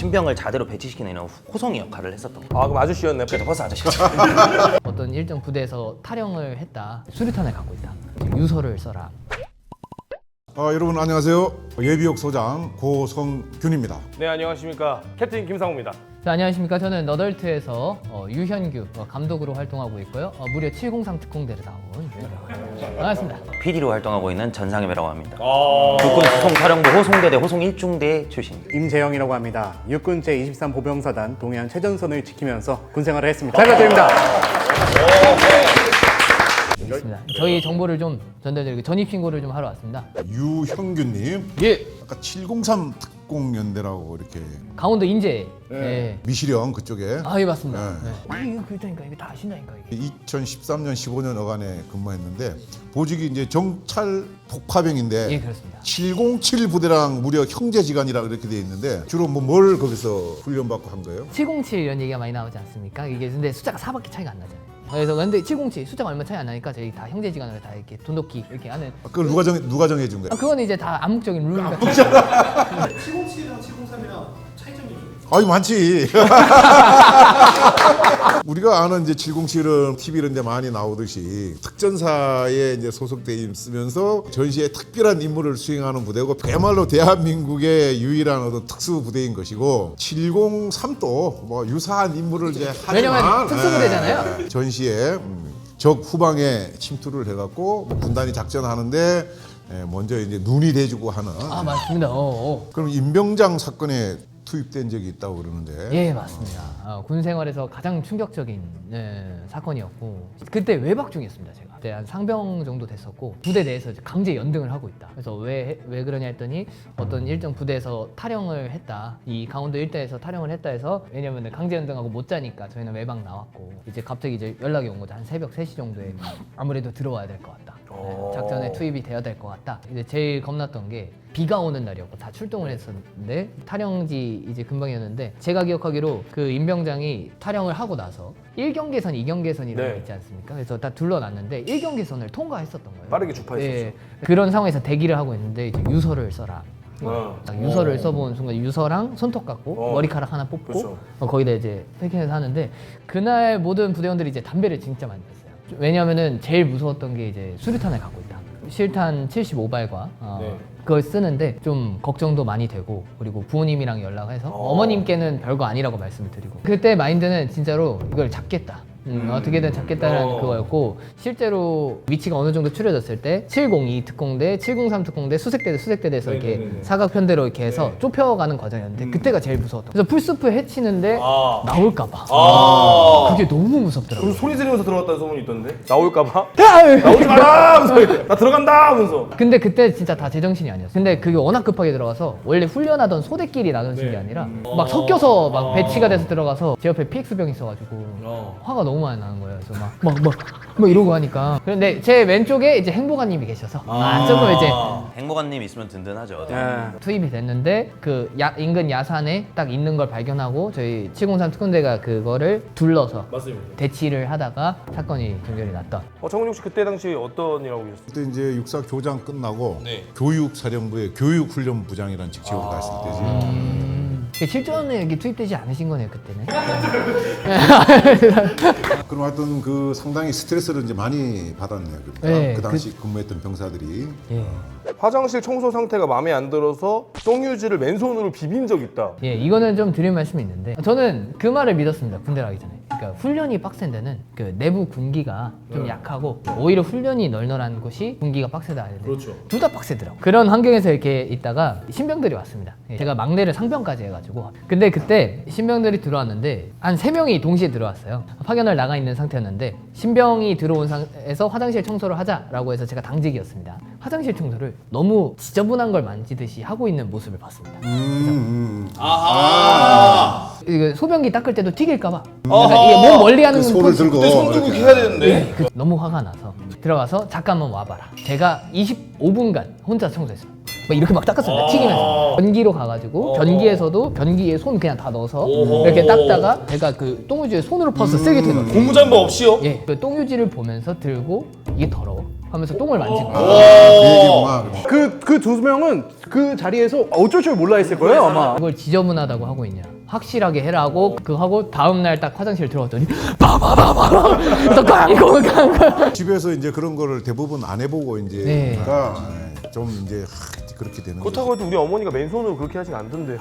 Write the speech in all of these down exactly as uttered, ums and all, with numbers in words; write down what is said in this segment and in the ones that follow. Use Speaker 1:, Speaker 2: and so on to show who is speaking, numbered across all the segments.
Speaker 1: 신병을 자대로 배치시키는 이런 호송이 역할을 했었던 거예요.
Speaker 2: 아 그럼 아저씨였네.
Speaker 1: 그래서 버스 아저씨죠.
Speaker 3: 어떤 일정 부대에서 탈영을 했다. 수류탄을 갖고 있다. 유서를 써라.
Speaker 4: 아, 여러분 안녕하세요. 예비역 소장 고성균입니다.
Speaker 2: 네 안녕하십니까. 캡틴 김상우입니다.
Speaker 3: 자, 안녕하십니까. 저는 너덜트에서 어, 유현규 어, 감독으로 활동하고 있고요. 어, 무려 칠공삼 특공대를 나온 유현규. 반갑습니다.
Speaker 1: 피디로 활동하고 있는 전상엽이라고 합니다.
Speaker 2: 아
Speaker 1: 육군 수송사령부 호송대대 호송 일 중대 출신입니다.
Speaker 5: 임재영이라고 합니다. 육군 제이십삼 보병사단 동해안 최전선을 지키면서 군생활을 했습니다. 잘 부탁드립니다.
Speaker 3: 알겠습니다. 저희 정보를 좀 전달드리고 전입 신고를 좀 하러 왔습니다.
Speaker 4: 유형균님,
Speaker 3: 예.
Speaker 4: 아까 칠공삼 특공연대라고 이렇게
Speaker 3: 강원도 인제. 네.
Speaker 4: 미시령 그쪽에
Speaker 3: 아, 예, 맞습니다.
Speaker 4: 네.
Speaker 3: 네. 이거 그러니까 이거 다 아신다니까 이게.
Speaker 4: 이천십삼 년 십오 년 어간에 근무했는데 보직이 이제 정찰 폭파병인데
Speaker 3: 예, 그렇습니다.
Speaker 4: 칠공칠 부대랑 무려 형제지간이라 이렇게 돼 있는데 주로 뭐 뭘 거기서 훈련받고 한 거예요?
Speaker 3: 칠공칠 이런 얘기가 많이 나오지 않습니까? 이게 근데 숫자가 사밖에 차이가 안 나잖아요. 그래서 근데 칠공칠 숫자가 얼마 차이 안 나니까 저희 다 형제지간으로 다 이렇게 돈독히 이렇게 하는.
Speaker 4: 아, 그걸 누가 정 누가 정해 준 거예요?
Speaker 3: 아, 그건 이제 다 암묵적인 룰 같은.
Speaker 6: 칠공칠이랑 칠공삼이랑 차이점이 좀
Speaker 4: 아이 많지. 우리가 아는 이제 칠공칠은 티비 이런 데 많이 나오듯이 특전사에 이제 소속돼 있으면서 전시에 특별한 임무를 수행하는 부대고 그야말로 대한민국의 유일한 어떤 특수 부대인 것이고 칠공삼도 뭐 유사한 임무를 이제 하지만
Speaker 3: 왜냐면 특수부대잖아요.
Speaker 4: 예, 전시에 음, 적 후방에 침투를 해갖고 뭐 군단이 작전하는데 예, 먼저 이제 눈이 대주고 하는.
Speaker 3: 아, 맞습니다. 어, 어.
Speaker 4: 그럼 임병장 사건에 투입된 적이 있다고 그러는데.
Speaker 3: 예, 맞습니다. 어, 군 생활에서 가장 충격적인 네, 사건이었고 그때 외박 중이었습니다. 제가 그때 한 상병 정도 됐었고 부대 내에서 이제 강제 연등을 하고 있다. 그래서 왜 왜 그러냐 했더니 어떤 일정 부대에서 탈영을 했다. 이 강원도 일대에서 탈영을 했다 해서 왜냐면 강제 연등하고 못 자니까 저희는 외박 나왔고 이제 갑자기 이제 연락이 온 거죠. 한 새벽 세 시 정도에 아무래도 들어와야 될 것 같다. 네, 작전에 투입이 되어야 될 것 같다. 이제 제일 겁났던 게 비가 오는 날이었고 다 출동을 했었는데 탈영지 이제 근방이었는데 제가 기억하기로 그 임병장이 탈영을 하고 나서 일 경계선, 이 경계선이라는
Speaker 2: 네.
Speaker 3: 게 있지 않습니까? 그래서 다 둘러놨는데 일 경계선을 통과했었던 거예요.
Speaker 2: 빠르게 주파했었죠.
Speaker 3: 네, 그런 상황에서 대기를 하고 있는데 이제 유서를 써라.
Speaker 2: 어.
Speaker 3: 딱 유서를 써본 순간 유서랑 손톱 갖고
Speaker 2: 어.
Speaker 3: 머리카락 하나 뽑고
Speaker 2: 그렇죠.
Speaker 3: 어, 거기다 이제 패킹해서 하는데 그날 모든 부대원들이 이제 담배를 진짜 많이 폈어요. 왜냐하면은 제일 무서웠던 게 이제 수류탄을 갖고 있다. 실탄 칠십오 발과 어,
Speaker 2: 네.
Speaker 3: 그걸 쓰는데 좀 걱정도 많이 되고 그리고 부모님이랑 연락해서
Speaker 2: 어.
Speaker 3: 어머님께는 별거 아니라고 말씀을 드리고 그때 마인드는 진짜로 이걸 잡겠다. 음, 어떻게든 잡겠다는
Speaker 2: 어.
Speaker 3: 그거였고 실제로 위치가 어느 정도 추려졌을 때 칠공이 특공대, 칠공삼 특공대, 수색대, 수색대에서 이렇게
Speaker 2: 네네네네.
Speaker 3: 사각편대로 이렇게 해서
Speaker 2: 네.
Speaker 3: 좁혀가는 과정이었는데 그때가 제일 무서웠던 거예요. 그래서 풀스프 해치는데
Speaker 2: 아.
Speaker 3: 나올까봐
Speaker 2: 아.
Speaker 3: 그게 너무
Speaker 2: 그럼
Speaker 3: 무섭더라고요.
Speaker 2: 소리 지르면서 들어갔다는 소문이 있던데. 나올까봐. 나오지 마라. 하면서 나 들어간다. 하면서.
Speaker 3: 근데 그때 진짜 다 제정신이 아니었어. 근데 그게 워낙 급하게 들어가서 원래 훈련하던 소대끼리 나눠진
Speaker 2: 네.
Speaker 3: 게 아니라 막 섞여서 막
Speaker 2: 아.
Speaker 3: 배치가 돼서 들어가서 제 옆에 피엑스병이 있어가지고
Speaker 2: 어.
Speaker 3: 화가 너무 많이 나는 거예요. 그래서 막 막 막 막 이러고 하니까. 그런데 제 왼쪽에 이제 행보관님이 계셔서 아, 조금 이제
Speaker 1: 행보관님 있으면 든든하죠.
Speaker 5: 예.
Speaker 3: 투입이 됐는데 그 야, 인근 야산에 딱 있는 걸 발견하고 저희 칠공삼 특공대가 그거를 둘러서
Speaker 2: 맞습니다.
Speaker 3: 대치를 하다가 사건이 종결이 났던.
Speaker 2: 어, 정은juk 씨 그때 당시 어떤 일 하고 계셨어요?
Speaker 4: 그때 이제 육사 교장 끝나고
Speaker 2: 네.
Speaker 4: 교육사령부의 교육훈련부장이라는 직책으로 갔을 때지.
Speaker 3: 음, 실전에 이렇게 투입되지 않으신 거네요 그때는.
Speaker 4: 그럼 하여튼 그 상당히 스트레스를 이제 많이 받았네요. 그러니까
Speaker 3: 네,
Speaker 4: 그 당시 근무했던 병사들이.
Speaker 3: 예.
Speaker 2: 화장실 청소 상태가 마음에 안 들어서 똥유지를 맨손으로 비빈 적 있다.
Speaker 3: 예, 이거는 좀 드릴 말씀이 있는데 저는 그 말을 믿었습니다. 군대를 가기 전에. 그러니까 훈련이 빡센 데는 그 내부 군기가 좀
Speaker 2: 네.
Speaker 3: 약하고 오히려 훈련이 널널한 곳이 군기가 빡세다 하는데
Speaker 2: 그렇죠.
Speaker 3: 둘 다 빡세더라고. 그런 환경에서 이렇게 있다가 신병들이 왔습니다. 예, 제가 막내를 상병까지 해가지고 근데 그때 신병들이 들어왔는데 한 세 명이 동시에 들어왔어요. 파견을 나가 있는 상태였는데 신병이 들어온 상태에서 화장실 청소를 하자라고 해서 제가 당직이었습니다. 화장실 청소를 너무 지저분한 걸 만지듯이 하고 있는 모습을 봤습니다.
Speaker 4: 음, 음.
Speaker 3: 이거 소변기 닦을 때도 튀길까봐 그러니까 이게 몸 멀리 하는
Speaker 4: 그 손을
Speaker 3: 포지-
Speaker 4: 들고.
Speaker 2: 그때 손 들고
Speaker 4: 이렇게.
Speaker 2: 해야 되는데.
Speaker 3: 그- 너무 화가 나서 들어가서 잠깐만 와봐라. 제가 이십오 분간 혼자 청소했어요. 막 이렇게 막 닦았습니다. 튀기면서 변기로 가가지고 변기에서도 변기에 손 그냥 다 넣어서
Speaker 2: 오호.
Speaker 3: 이렇게 닦다가 제가 그 똥유지에 손으로 퍼서 세게 들어요.
Speaker 2: 고무장갑 없이요?
Speaker 3: 예, 그 똥유지를 보면서 들고 이게 더러워. 하면서 똥을 만진 거예요.
Speaker 4: 그 얘기구나.
Speaker 5: 그 그 두 명은 그 자리에서 어쩔 줄 몰라 했을 거예요 아마.
Speaker 3: 그걸 지저분하다고 하고 있냐? 확실하게 해라고 그거 하고 다음 날 딱 화장실 들어갔더니 바바바바바 또 깡깡 깡깡.
Speaker 4: 집에서 이제 그런 거를 대부분 안 해보고 이제
Speaker 3: 네.
Speaker 4: 그러니까 좀 이제 하, 그렇게 되는 거죠.
Speaker 2: 그렇다고 해도 우리 어머니가 맨손으로 그렇게 하진 않던데요.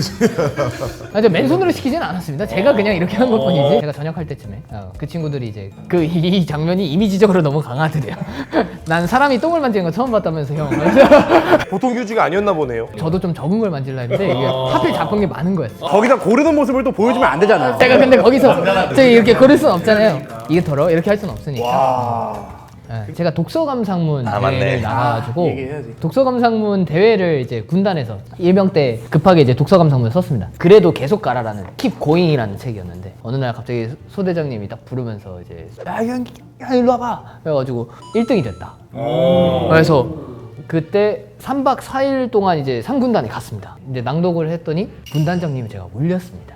Speaker 3: 아, 저 맨손으로 시키진 않았습니다. 제가 그냥 이렇게 한 것뿐이지. 제가 전역할 때쯤에 어, 그 친구들이 이제 그 이 장면이 이미지적으로 너무 강하더래요. 난 사람이 똥을 만지는 거 처음 봤다면서 형.
Speaker 2: 보통 규지가 아니었나 보네요.
Speaker 3: 저도 좀 적은 걸 만질라 했는데 이게 하필 잡은 게 많은 거였어.
Speaker 5: 거기다 고르는 모습을 또 보여주면 안 되잖아요.
Speaker 3: 제가 근데 거기서 제가 이렇게 고를 수는 없잖아요. 이게 더러 이렇게 할 수는 없으니까. 네, 제가 독서감상문
Speaker 1: 아,
Speaker 3: 대회를
Speaker 1: 맞네.
Speaker 3: 나가가지고
Speaker 5: 얘기해야지.
Speaker 3: 독서감상문 대회를 이제 군단에서 일병 때 급하게 이제 독서감상문을 썼습니다. 그래도 계속 가라라는 Keep Going이라는 책이었는데 어느 날 갑자기 소대장님이 딱 부르면서 이제 야, 야, 야 일로 와봐 그래가지고 일 등이 됐다. 그래서 그때 삼 박 사 일 동안 이제 상군단에 갔습니다. 이제 낭독을 했더니 군단장님이 제가 울렸습니다.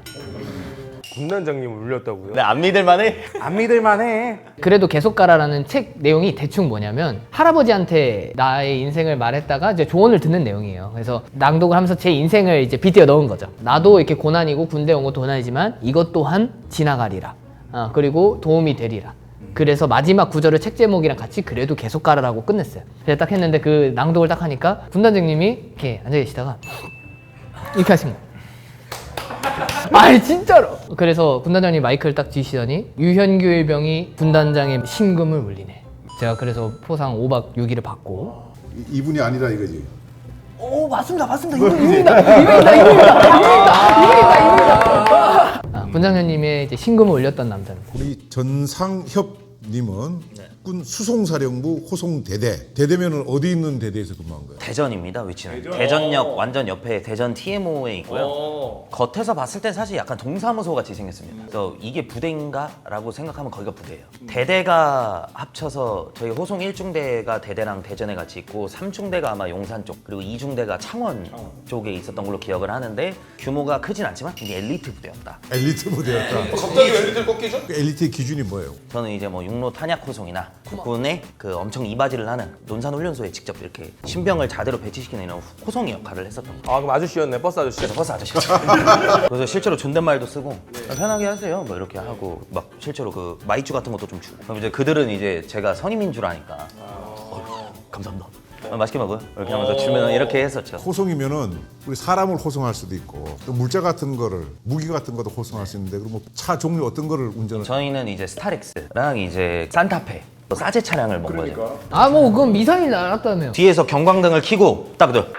Speaker 2: 군단장님을 울렸다고요?
Speaker 1: 네, 안 믿을만해?
Speaker 5: 안 믿을만해.
Speaker 3: 그래도 계속 가라라는 책 내용이 대충 뭐냐면 할아버지한테 나의 인생을 말했다가 이제 조언을 듣는 내용이에요. 그래서 낭독을 하면서 제 인생을 이제 빗대어 넣은 거죠. 나도 이렇게 고난이고 군대 온 것도 고난이지만 이것 또한 지나가리라. 아, 그리고 도움이 되리라. 그래서 마지막 구절을 책 제목이랑 같이 그래도 계속 가라라고 끝냈어요. 그래서 딱 했는데 그 낭독을 딱 하니까 군단장님이 이렇게 앉아 계시다가 이렇게 하신 거예요. 아니 진짜로. 그래서 군단장님 마이크를 딱 쥐시더니 유현규 일병이 군단장의 신금을 울리네. 제가 그래서 포상 오 박 육 일을 받고.
Speaker 4: 이- 이분이 아니라 이거지.
Speaker 3: 오 맞습니다 맞습니다 이분 이분이다 이분이다 이분이다 이분이다 이분이다 이분이다. 아, 군장님의 이제 신금을 울렸던 남자입니다.
Speaker 4: 우리 전상협님은 군 수송사령부 호송대대. 대대면은 어디 있는 대대에서 근무한 거예요?
Speaker 1: 대전입니다, 위치는. 대전역 완전 옆에 대전 티엠오에 있고요. 겉에서 봤을 땐 사실 약간 동사무소 같이 생겼습니다. 그래서 이게 부대인가? 라고 생각하면 거기가 부대예요. 대대가 합쳐서 저희 호송 일 중대가 대대랑 대전에 같이 있고 삼 중대가 아마 용산 쪽 그리고 이 중대가 창원 쪽에 있었던 걸로 기억을 하는데 규모가 크진 않지만 이게 엘리트 부대였다.
Speaker 4: 엘리트 부대였다.
Speaker 2: 갑자기 엘리트를 꺾이죠?
Speaker 4: 그 엘리트의 기준이 뭐예요?
Speaker 1: 저는 이제 뭐 육로 탄약 호송이나 국군의 그 엄청 이바지를 하는 논산훈련소에 직접 이렇게 신병을 자대로 배치시키는 이런 호송의 역할을 했었던 거예요.
Speaker 2: 아 그럼 아저씨였네, 버스 아저씨.
Speaker 1: 그래서 버스 아저씨였죠. 그래서 실제로 존댓말도 쓰고 편하게 하세요 뭐 이렇게 하고 막 실제로 그 마이쮸 같은 것도 좀 주고 그럼 이제 그들은 이제 제가 선임인 줄 아니까 어휴, 감사합니다. 어, 맛있게 먹어요 이렇게 하면서 주면 이렇게 했었죠.
Speaker 4: 호송이면은 우리 사람을 호송할 수도 있고 또 물자 같은 거를 무기 같은 것도 호송할 수 있는데 그럼 뭐 차 종류 어떤 거를 운전을?
Speaker 1: 저희는 이제 스타렉스랑 이제 산타페 또 싸제 차량을 먹은 거죠.
Speaker 3: 아 뭐 그건 미사일 날았다며요.
Speaker 1: 뒤에서 경광등을 켜고 딱 들.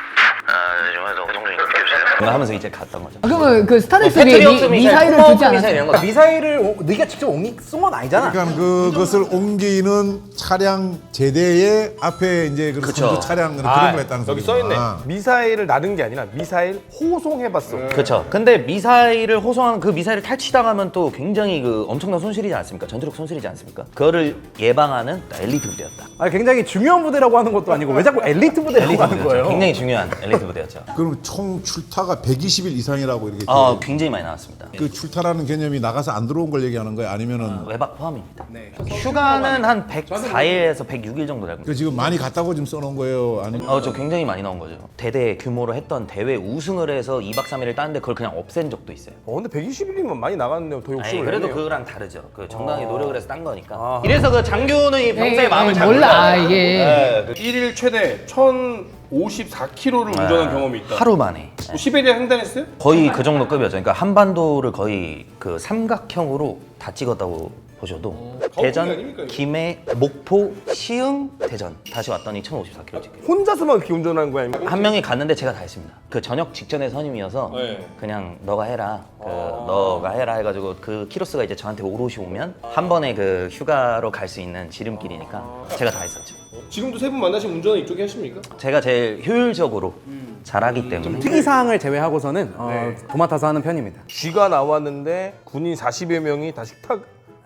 Speaker 1: 하면서 이제 갔던 거죠.
Speaker 3: 아, 그러면 그 스타렉스 위에
Speaker 1: 패트리어트
Speaker 3: 미,
Speaker 1: 미사일,
Speaker 3: 미사일을
Speaker 1: 토마호크
Speaker 3: 두지
Speaker 1: 미사일 이런
Speaker 3: 않았어요?
Speaker 1: 거.
Speaker 5: 미사일을 오- 네가 직접 옮기 쏜건 아니잖아.
Speaker 4: 그러니까 그것을 옮기는 차량 제대의 앞에 이제 그
Speaker 1: 그쵸.
Speaker 4: 선두 차량 그런
Speaker 2: 아,
Speaker 4: 걸 했다는
Speaker 2: 여기
Speaker 4: 소리구나.
Speaker 2: 써있네. 미사일을 나른 게 아니라 미사일 호송해봤어.
Speaker 1: 그렇죠. 근데 미사일을 호송하는 그 미사일을 탈취당하면 또 굉장히 그 엄청난 손실이지 않습니까? 전투력 손실이지 않습니까? 그거를 예방하는 엘리트 부대였다.
Speaker 5: 아니, 굉장히 중요한 부대라고 하는 것도 아니고 왜 자꾸 엘리트 부대라고
Speaker 1: 엘리트
Speaker 5: 하는
Speaker 1: 부대였죠.
Speaker 5: 거예요?
Speaker 1: 굉장히 중요한 엘리트 부대였죠.
Speaker 4: 그럼 총 출타가 백이십 일 이상이라고 이렇게
Speaker 1: 아,
Speaker 4: 돼.
Speaker 1: 굉장히 많이 나왔습니다.
Speaker 4: 그 출타라는 개념이 나가서 안 들어온 걸 얘기하는 거예요? 아니면은
Speaker 1: 외박 포함입니다. 휴가는 한 백사 일에서 백육 일 정도 되고.
Speaker 4: 그 지금 많이 갔다고 지금 써놓은 거예요? 아니면
Speaker 1: 어, 저 굉장히 많이 나온 거죠. 대대 규모로 했던 대회 우승을 해서 이 박 삼 일을 땄는데 그걸 그냥 없앤 적도 있어요.
Speaker 2: 어 근데 백이십 일이면 많이 나갔네요. 더
Speaker 1: 아니,
Speaker 2: 욕심을
Speaker 1: 그래도
Speaker 2: 내네요.
Speaker 1: 그거랑 다르죠. 그 정당히 노력을 해서 딴 거니까.
Speaker 2: 아.
Speaker 1: 이래서 그 장교는 이 병사의
Speaker 3: 에이,
Speaker 1: 마음을
Speaker 3: 에이,
Speaker 1: 잘
Speaker 3: 몰라
Speaker 1: 몰라.
Speaker 3: 이게
Speaker 1: 네, 그
Speaker 2: 일일 최대 천오십사 킬로미터를 운전한 경험이 있다.
Speaker 1: 하루 만에.
Speaker 2: 뭐 시베리아 횡단했어요?
Speaker 1: 거의 그 정도 급이었죠. 그러니까 한반도를 거의 그 삼각형으로 다 찍었다고 보셔도 대전,
Speaker 2: 아닙니까, 이거?
Speaker 1: 김해, 목포, 시흥, 대전 다시 왔더니 천오십사 킬로미터 찍혀요.
Speaker 2: 혼자서만 그렇게 운전한 거야? 아니면?
Speaker 1: 한 명이 갔는데 제가 다 했습니다. 그 저녁 직전에 선임이어서
Speaker 2: 네.
Speaker 1: 그냥 너가 해라. 그 너가 해라 해가지고 그 키로수가 이제 저한테 오롯이 오면 한 번에 그 휴가로 갈 수 있는 지름길이니까 제가 다 했었죠.
Speaker 2: 지금도 세 분 만나시면 운전은 이쪽에 하십니까?
Speaker 1: 제가 제일 효율적으로 잘하기 때문에
Speaker 5: 특이사항을 제외하고서는 어, 도맡아서 하는 편입니다.
Speaker 2: 쥐가 나왔는데 군인 사십여 명이 다 식탁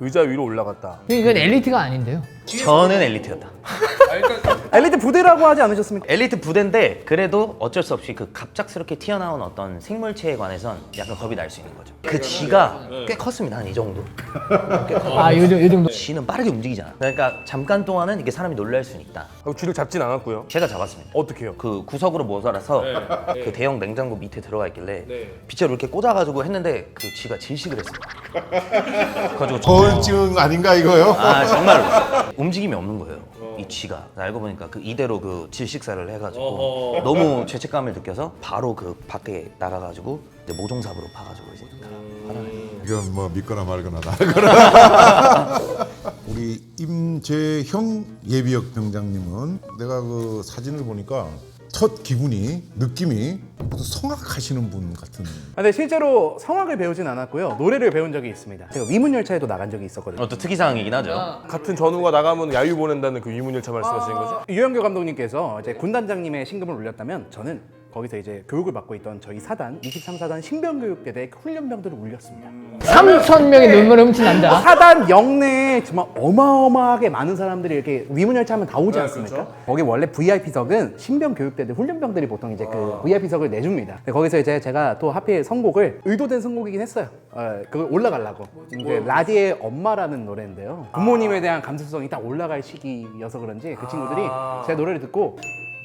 Speaker 2: 의자 위로 올라갔다.
Speaker 3: 이건 엘리트가 아닌데요.
Speaker 1: 저는 엘리트였다.
Speaker 5: 엘리트 부대라고 하지 않으셨습니까?
Speaker 1: 엘리트 부대인데 그래도 어쩔 수 없이 그 갑작스럽게 튀어나온 어떤 생물체에 관해선 약간 겁이 날 수 있는 거죠. 그 쥐가 꽤 컸습니다. 한 이 정도. 꽤 컸-
Speaker 3: 아, 요, 요 정도.
Speaker 1: 쥐는 빠르게 움직이잖아. 그러니까 잠깐 동안은 이게 사람이 놀랄 수는 있다.
Speaker 2: 하고 쥐를 잡진 않았고요.
Speaker 1: 제가 잡았습니다.
Speaker 2: 어떻게요?
Speaker 1: 그 구석으로 모자라서 그 대형 냉장고 밑에 들어가 있길래 빗자루 이렇게 꽂아가지고 했는데 그 쥐가 질식을 했습니다. 그래가지고 저-
Speaker 4: 저울증 아닌가 이거요?
Speaker 1: 아 정말로 움직임이 없는 거예요. 이 쥐가 알고 보니까 그 이대로 그 질식사를 해가지고 너무 죄책감을 느껴서 바로 그 밖에 나가가지고 이제 모종삽으로 파가지고 이제 화나네.
Speaker 4: 이건 뭐 믿거나 말거나 다. 우리 임재형 예비역 병장님은 내가 그 사진을 보니까 첫 기분이 느낌이 무슨 성악하시는 분 같은.
Speaker 5: 아, 근데 실제로 성악을 배우진 않았고요. 노래를 배운 적이 있습니다. 제가 위문열차에도 나간 적이 있었거든요.
Speaker 1: 어, 또 특이사항이긴 하죠.
Speaker 2: 같은 전우가 나가면 야유 보낸다는 그 위문열차 말씀하시는 거죠?
Speaker 5: 유영규 감독님께서 이제 군단장님의 신금을 올렸다면 저는 거기서 이제 교육을 받고 있던 저희 사단 이십삼 사단 신병교육대대 훈련병들을 울렸습니다.
Speaker 3: 삼천 명의 눈물을 훔친난다.
Speaker 5: 사단 영내에 정말 어마어마하게 많은 사람들이 이렇게 위문열차 하면 다 오지 않습니까? 거기 원래 브이아이피석은 신병교육대대 훈련병들이 보통 이제 그 브이아이피석을 내줍니다. 근데 거기서 이제 제가 또 하필 선곡을 의도된 선곡이긴 했어요. 어, 그걸 올라가려고. 이제 라디의 엄마라는 노래인데요. 부모님에 대한 감수성이 딱 올라갈 시기여서 그런지 그 친구들이 제 노래를 듣고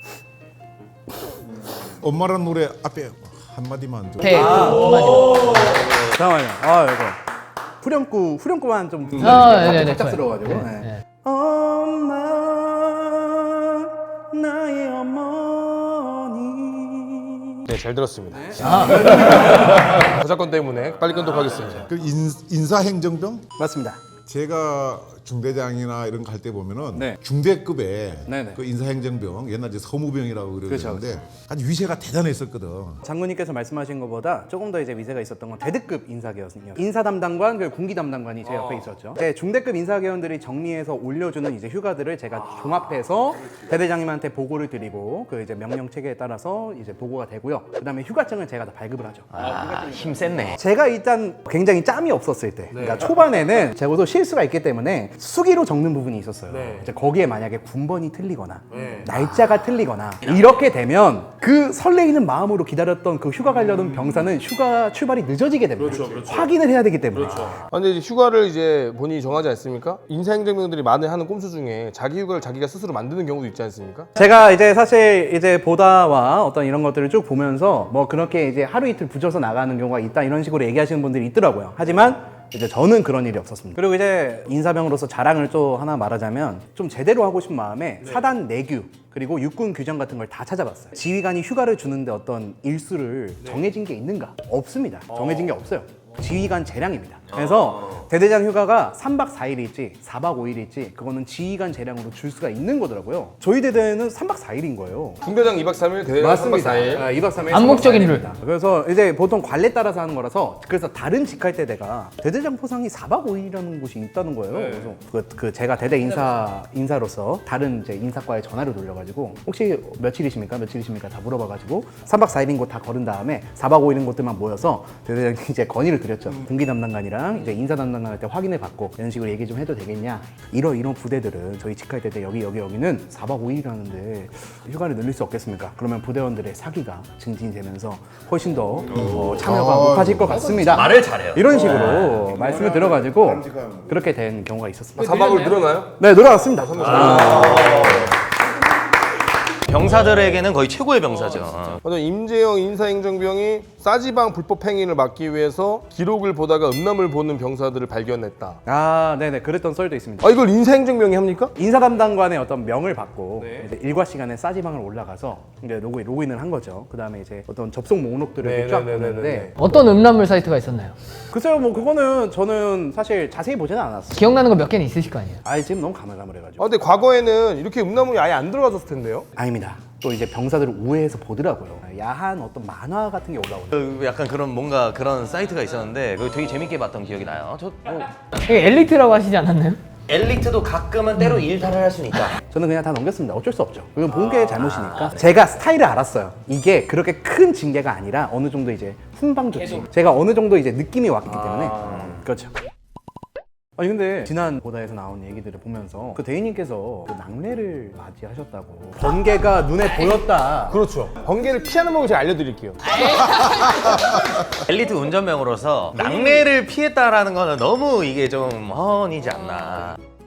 Speaker 4: 엄마란 노래 앞에 한마디만 좀.
Speaker 3: 네, 한마디.
Speaker 5: 잠깐만요. 아 이거 후렴구 후렴구만 좀
Speaker 3: 아, 네네네.
Speaker 5: 갑작스러워가지고.
Speaker 3: 좋아요.
Speaker 5: 네.
Speaker 3: 네.
Speaker 5: 엄마 나의 어머니.
Speaker 2: 네, 잘 들었습니다.
Speaker 3: 아,
Speaker 2: 저작권 때문에 빨리 끊도록 하겠습니다.
Speaker 4: 그 인, 인사행정병?
Speaker 5: 맞습니다.
Speaker 4: 제가 중대장이나 이런 거 할 때 보면은
Speaker 5: 네.
Speaker 4: 중대급의
Speaker 5: 네네.
Speaker 4: 그 인사행정병 옛날 이제 서무병이라고
Speaker 5: 그렇죠,
Speaker 4: 그러는데 아주 위세가 대단했었거든.
Speaker 5: 장군님께서 말씀하신 것보다 조금 더 이제 위세가 있었던 건 대대급 인사계였거든요. 인사 담당관 그리고 군기 담당관이 제 옆에 있었죠. 이제 중대급 인사계원들이 정리해서 올려주는 이제 휴가들을 제가 종합해서 대대장님한테 보고를 드리고 그 이제 명령 체계에 따라서 이제 보고가 되고요. 그다음에 휴가증을 제가 다 발급을 하죠.
Speaker 1: 아, 힘 셌네.
Speaker 5: 제가 일단 굉장히 짬이 없었을 때, 그러니까 초반에는 제가도 실수가 있기 때문에 수기로 적는 부분이 있었어요. 이제 거기에 만약에 군번이 틀리거나 날짜가 틀리거나 이렇게 되면 그 설레이는 마음으로 기다렸던 그 휴가 가려던 병사는 휴가 출발이 늦어지게 됩니다. 확인을 해야 되기 때문에.
Speaker 2: 아, 근데 이제 휴가를 이제 본인이 정하지 않습니까? 인사행정병들이 많이 하는 꼼수 중에 자기 휴가를 자기가 스스로 만드는 경우도 있지 않습니까?
Speaker 5: 제가 이제 사실 이제 보다와 어떤 이런 것들을 쭉 보면서 뭐 그렇게 이제 하루 이틀 붙여서 나가는 경우가 있다 이런 식으로 얘기하시는 분들이 있더라고요. 하지만 이제 저는 그런 일이 없었습니다. 그리고 이제 인사병으로서 자랑을 또 하나 말하자면 좀 제대로 하고 싶은 마음에 사단 내규 그리고 육군 규정 같은 걸 다 찾아봤어요. 지휘관이 휴가를 주는데 어떤 일수를 정해진 게 있는가? 없습니다. 정해진 게 없어요. 지휘관 재량입니다. 그래서 대대장 휴가가 삼박 사일일지 사박 오일일지 그거는 지휘관 재량으로 줄 수가 있는 거더라고요. 저희 대대는 삼박 사일인 거예요.
Speaker 2: 중대장 이박 삼일, 대대장 삼박 사일.
Speaker 5: 아, 이박 삼일.
Speaker 3: 암묵적인 룰.
Speaker 5: 그래서 이제 보통 관례 따라서 하는 거라서 그래서 다른 직할대대가 대대장 포상이 사박 오일이라는 곳이 있다는 거예요. 그래서 그, 그 제가 대대 인사 인사로서 다른 이제 인사과에 전화를 돌려가지고 혹시 며칠이십니까? 며칠이십니까? 다 물어봐가지고 삼박 사일인 곳 다 거른 다음에 사박 오일인 곳들만 모여서 대대장이 이제 건의를 드렸죠. 군기 담당관이랑 이제 인사 담당관한테 확인을 받고 이런 식으로 얘기 좀 해도 되겠냐? 이러 이런 부대들은 저희 직할대대 여기 여기 여기는 사박 오일이라는데 휴가를 늘릴 수 없겠습니까? 그러면 부대원들의 사기가 증진되면서 훨씬 더 어, 참여가 높아질 것 같습니다.
Speaker 1: 말을 잘해요.
Speaker 5: 이런 식으로 말씀을 들어가지고 그렇게 된 경우가 있었습니다.
Speaker 2: 사박을 늘어나요?
Speaker 5: 네, 늘어났습니다.
Speaker 1: 병사들에게는 거의 최고의 병사죠.
Speaker 2: 맞아, 임재영 인사행정병이 싸지방 불법 행위를 막기 위해서 기록을 보다가 음란물 보는 병사들을 발견했다.
Speaker 5: 아, 네네, 그랬던 썰도 있습니다.
Speaker 2: 아, 이걸 인사행정병이 합니까?
Speaker 5: 인사 담당관의 어떤 명을 받고 이제 일과 시간에 싸지방을 올라가서 이제 로그인, 로그인을 한 거죠. 그 다음에 이제 어떤 접속 목록들을 이렇게 쫙
Speaker 2: 네네네네네.
Speaker 5: 보는데
Speaker 3: 어떤 음란물 사이트가 있었나요?
Speaker 5: 글쎄요, 뭐 그거는 저는 사실 자세히 보지는 않았어요.
Speaker 3: 기억나는 거 몇 개는 있으실 거 아니에요?
Speaker 5: 아, 지금 너무 가물가물해가지고.
Speaker 2: 아, 근데 과거에는 이렇게 음란물이 아예 안 들어가졌을 텐데요?
Speaker 5: 아닙니다. 또 이제 병사들을 우회해서 보더라고요. 야한 어떤 만화 같은 게 올라오죠.
Speaker 1: 그 약간 그런 뭔가 그런 사이트가 있었는데 그거 되게 재밌게 봤던 기억이 나요. 저 뭐,
Speaker 3: 이게 엘리트라고 하시지 않았나요?
Speaker 1: 엘리트도 가끔은 때로 일탈을 할 수는 있다.
Speaker 5: 저는 그냥 다 넘겼습니다. 어쩔 수 없죠. 그건 본 게 잘못이니까. 제가 스타일을 알았어요. 이게 그렇게 큰 징계가 아니라 어느 정도 이제 훈방 조치. 제가 어느 정도 이제 느낌이 왔기 때문에. 음, 그렇죠. 아니 근데 지난 보다에서 나온 얘기들을 보면서 그 대인님께서 그 낙뢰를 맞이하셨다고 번개가 눈에 보였다.
Speaker 2: 그렇죠. 번개를 피하는 법을 제가 알려드릴게요.
Speaker 1: 엘리트 운전병으로서 낙뢰를 피했다라는 거는 너무 이게 좀 허언이지 않나.